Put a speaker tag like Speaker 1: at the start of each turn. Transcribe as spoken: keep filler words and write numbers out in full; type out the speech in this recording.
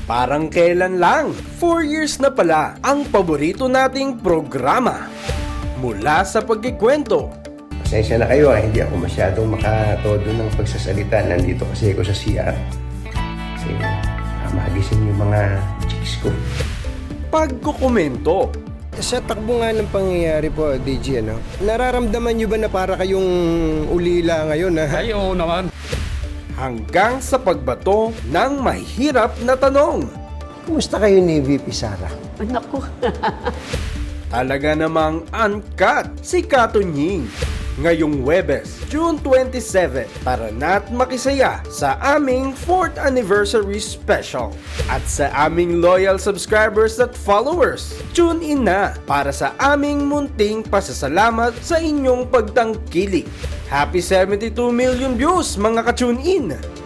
Speaker 1: Parang kailan lang, four years na pala ang paborito nating programa. Mula sa pagkikwento,
Speaker 2: Pasensya na kayo, ah, hindi ako masyadong makatodo ng pagsasalita. Nandito kasi ako sa C R. Kasi ah, magising yung mga chicks ko.
Speaker 1: pagkukomento,
Speaker 3: Sa takbo nga ng pangyayari po, D J, ano, nararamdaman nyo ba na para kayong ulila ngayon? Ha?
Speaker 4: Ay, oo naman.
Speaker 1: hanggang sa pagbato ng mahirap na tanong.
Speaker 3: Kumusta kayo ni V P Sara?
Speaker 5: Naku,
Speaker 1: Talaga namang uncut si Katunying. Ngayong Huwebes, June twenty-seven, tara na't makisaya sa aming fourth anniversary special. At sa aming loyal subscribers at followers, tune in na para sa aming munting pasasalamat sa inyong pagtangkilik. Happy seventy-two million views mga ka-tune in!